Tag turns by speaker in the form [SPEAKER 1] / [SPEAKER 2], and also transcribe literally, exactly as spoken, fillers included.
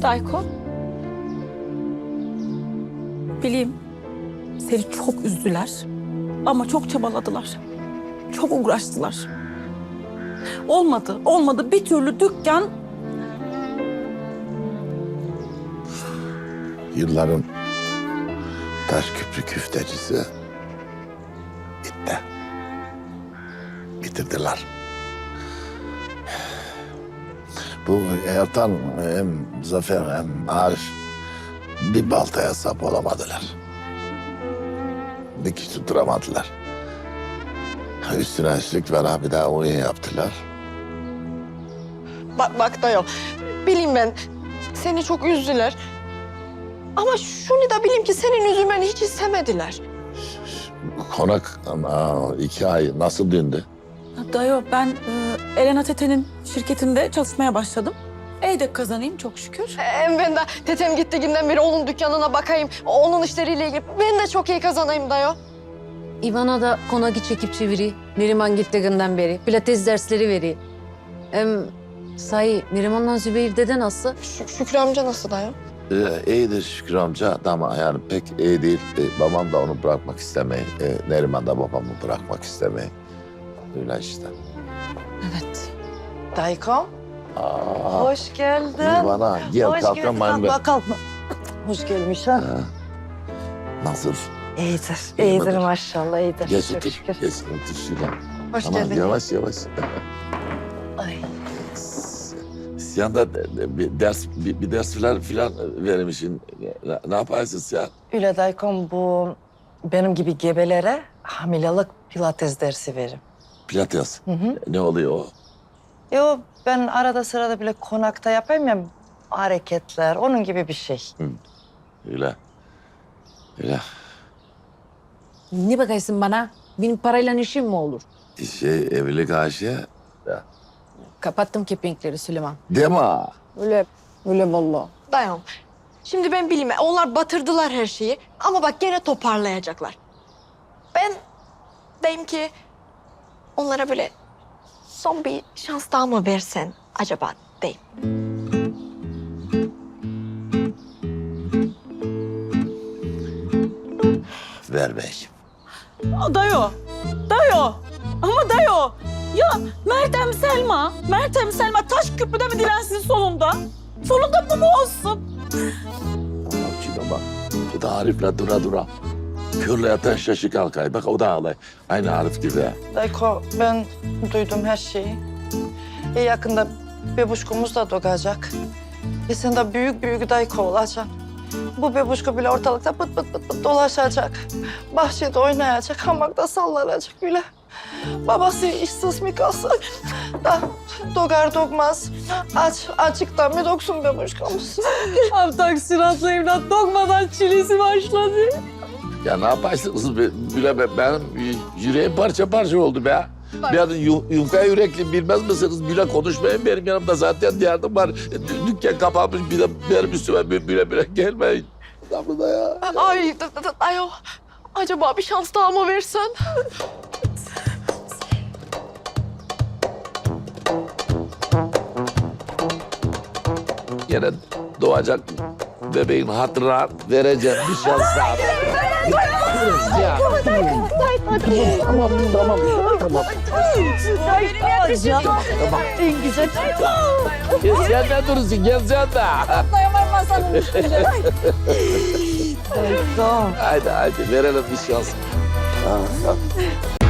[SPEAKER 1] Dayko. Bileyim seni çok üzdüler ama çok çabaladılar. Çok uğraştılar. Olmadı, olmadı. Bir türlü dükkan...
[SPEAKER 2] Yılların taş köprü küftecisi bitti. Bitirdiler. Bu Ertan hem Zafer hem Arif bir baltaya sap olamadılar. Dikiş tutturamadılar. Üstüne üstlük bana bir daha oyun yaptılar.
[SPEAKER 3] Bak, bak dayı. Bileyim ben seni çok üzdüler. Ama şunu da bileyim ki senin üzülmeni hiç istemediler.
[SPEAKER 2] Konak ama iki ay nasıl döndü?
[SPEAKER 1] Dayo ben e, Elena Tete'nin şirketinde çalışmaya başladım. Eydek kazanayım çok şükür.
[SPEAKER 3] Hem ben de tetem gittiğinden beri onun dükkanına bakayım. Onun işleriyle ilgili. Ben de çok iyi kazanayım dayı.
[SPEAKER 4] İvana da konaki çekip çeviri. Neriman gittiğinden beri. Pilates dersleri veri. Hem sahi Neriman'la Zübeyir dede nasıl?
[SPEAKER 3] Şük Şükrü amca nasıl dayı?
[SPEAKER 2] Ee, iyidir Şükrü amca ama yani pek iyi değil. Ee, babam da onu bırakmak istemeyi, ee, Neriman da babamı bırakmak istemeyi. Öyle işte.
[SPEAKER 4] Evet.
[SPEAKER 5] Daykom,
[SPEAKER 2] Aa,
[SPEAKER 5] hoş geldin.
[SPEAKER 2] Nirvana, gel
[SPEAKER 5] Hoş
[SPEAKER 2] kalkamayın
[SPEAKER 5] geldin.
[SPEAKER 2] ben.
[SPEAKER 5] Kalkma, kalkma. Hoş gelmiş ha.
[SPEAKER 2] Ha. Nasıl?
[SPEAKER 5] İyidir,
[SPEAKER 2] İyi
[SPEAKER 5] iyidir
[SPEAKER 2] midir?
[SPEAKER 5] maşallah, iyidir.
[SPEAKER 2] Geç
[SPEAKER 5] Çok
[SPEAKER 2] otur,
[SPEAKER 5] şükür.
[SPEAKER 2] geç otur şuraya.
[SPEAKER 3] Hoş
[SPEAKER 2] Tamam,
[SPEAKER 3] geldin.
[SPEAKER 2] yavaş yavaş.
[SPEAKER 5] Ay.
[SPEAKER 2] Siyanda bir ders, bir, bir ders filan filan vermişsin. Ne, ne yaparsın Siyan?
[SPEAKER 5] Öyle Daykom, bu benim gibi gebelere hamilelik pilates dersi verim.
[SPEAKER 2] Pilates.
[SPEAKER 5] Hı hı.
[SPEAKER 2] Ne oluyor o?
[SPEAKER 5] Yo, ben arada sırada bile konakta yapayım ya hareketler, onun gibi bir şey.
[SPEAKER 2] Öyle. Öyle.
[SPEAKER 4] Ne bakaysın bana? Benim parayla işim mi olur?
[SPEAKER 2] Şey, evlilik aşığı.
[SPEAKER 4] Kapattım kepenkleri Süleyman.
[SPEAKER 2] Deme.
[SPEAKER 4] Öyle, öyle vallahi.
[SPEAKER 3] Dayı. Şimdi ben bileyim. Onlar batırdılar her şeyi. Ama bak gene toparlayacaklar. Ben deyim ki onlara böyle son bir şans daha mı versen acaba deyim.
[SPEAKER 2] Ver bey.
[SPEAKER 1] Aa, Dayo, Dayo. Ama Dayo. Ya Meltem Selma, Meltem Selma taş küpüde mi dilensin sonunda? Sonunda bu mu olsun?
[SPEAKER 2] Bak şuna bak. Bu da Arif'le dura dura. Körle yatan şaşı kalkay. Bak o da ağlay. Aynı Arif gibi. ha.
[SPEAKER 5] Dayko, ben duydum her şeyi. E, yakında bebuşkumuz da doğacak. E sen de büyük büyük Dayko olacaksın. Bu bebuşku bile ortalıkta pıt pıt pıt pıt dolaşacak. Bahçede oynayacak, hamakta sallanacak bile. Babası işsiz mi kalsın? Da doğar doğmaz. Aç, açıktan mı doksun bebuşkumuz?
[SPEAKER 4] Abi taksiratlı evlat dokmadan çilesi başladı.
[SPEAKER 2] Ya ne yaparsınız be? Bile be, benim yüreğim parça parça oldu be. Ben yu, yufka yürekli bilmez misiniz? Bile konuşmayın benim yanımda zaten derdim var. Dü- Dükkan kapanmış bir de benim üstüme bile bile, bile gelmeyin. Tamam da ya.
[SPEAKER 3] Ay da- da- da- dayı. Acaba bir şans daha mı versen?
[SPEAKER 2] Yine doğacak bebeğin hatırına vereceğim bir şans daha. Ya. Tamam, tamam, tamam. Tamam.
[SPEAKER 5] En güzel.
[SPEAKER 2] Ya sen ne durursun? Gel sen de.
[SPEAKER 5] Dayko.
[SPEAKER 2] Haydi haydi verelim bir şans. Ha, ha.